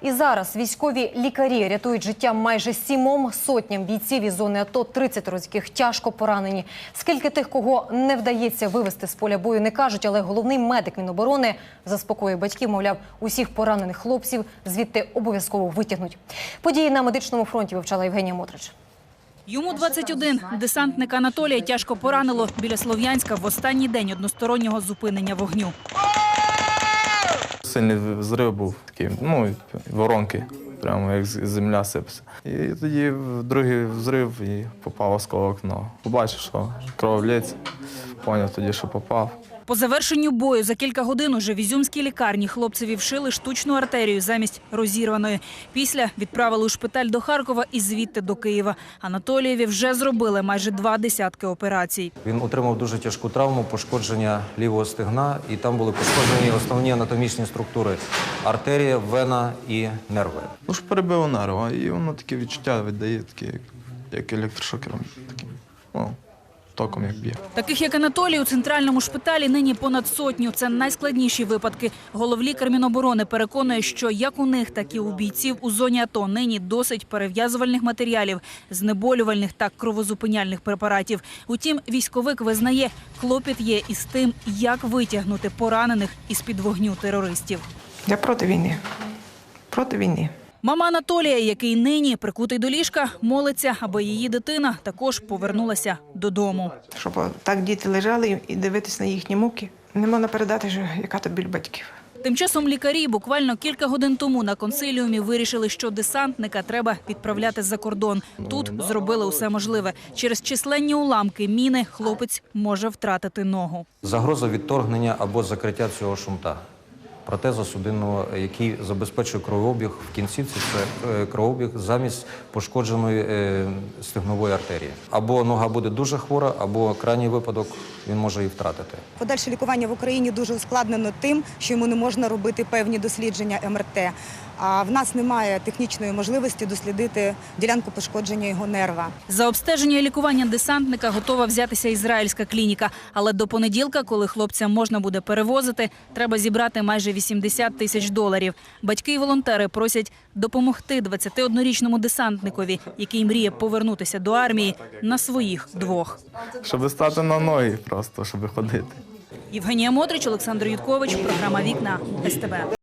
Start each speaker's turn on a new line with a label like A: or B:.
A: І зараз військові лікарі рятують життя майже 7 сотням бійців із зони АТО, 30 з яких тяжко поранені. Скільки тих, кого не вдається вивести з поля бою, не кажуть, але головний медик Міноборони заспокоює батьків, мовляв, усіх поранених хлопців звідти обов'язково витягнуть. Події на медичному фронті вивчала Євгенія Мотрич.
B: Йому 21. Десантника Анатолія тяжко поранило біля Слов'янська в останній день одностороннього зупинення вогню.
C: Сильний взрив був такий, воронки, прямо як земля сипеться. І тоді другий взрив і попав осколок в ногу. Побачив, що кров лється, поняв тоді, що попав.
B: По завершенню бою за кілька годин уже в ізюмській лікарні хлопцеві вшили штучну артерію замість розірваної. Після відправили у шпиталь до Харкова і звідти до Києва. Анатолієві вже зробили майже 20 операцій.
D: Він отримав дуже тяжку травму, пошкодження лівого стегна, і там були пошкоджені основні анатомічні структури – артерія, вена і нерви.
C: Ну ж перебило нерва, і воно таке відчуття віддає, таке, як електрошокером, таким, током як б'є.
B: Таких, як Анатолій, у центральному шпиталі нині понад 100. Це найскладніші випадки. Головлікар Міноборони переконує, що як у них, так і у бійців у зоні АТО нині досить перев'язувальних матеріалів, знеболювальних та кровозупиняльних препаратів. Утім, військовик визнає, клопіт є із тим, як витягнути поранених із-під вогню терористів.
E: Я проти війни. Проти війни.
B: Мама Анатолія, який нині прикутий до ліжка, молиться, аби її дитина також повернулася додому.
E: Щоб так діти лежали і дивитись на їхні муки. Не можна передати, яка то біль батьків.
B: Тим часом лікарі буквально кілька годин тому на консиліумі вирішили, що десантника треба відправляти за кордон. Тут зробили усе можливе. Через численні уламки міни хлопець може втратити ногу.
D: Загроза відторгнення або закриття цього шунта. Протеза судинного, який забезпечує кровообіг в кінцівці, це кровообіг замість пошкодженої стегнової артерії. Або нога буде дуже хвора, або крайній випадок він може її втратити.
F: Подальше лікування в Україні дуже ускладнено тим, що йому не можна робити певні дослідження МРТ. А в нас немає технічної можливості дослідити ділянку пошкодження його нерва.
B: За обстеження і лікування десантника готова взятися ізраїльська клініка. Але до понеділка, коли хлопця можна буде перевозити, треба зібрати майже $80 000. Батьки і волонтери просять допомогти 21-річному десантникові, який мріє повернутися до армії на своїх двох.
C: Щоб стати на ноги просто, щоб ходити.
B: Євгенія Мотрич, Олександр Юткович, програма «Вікна», СТБ.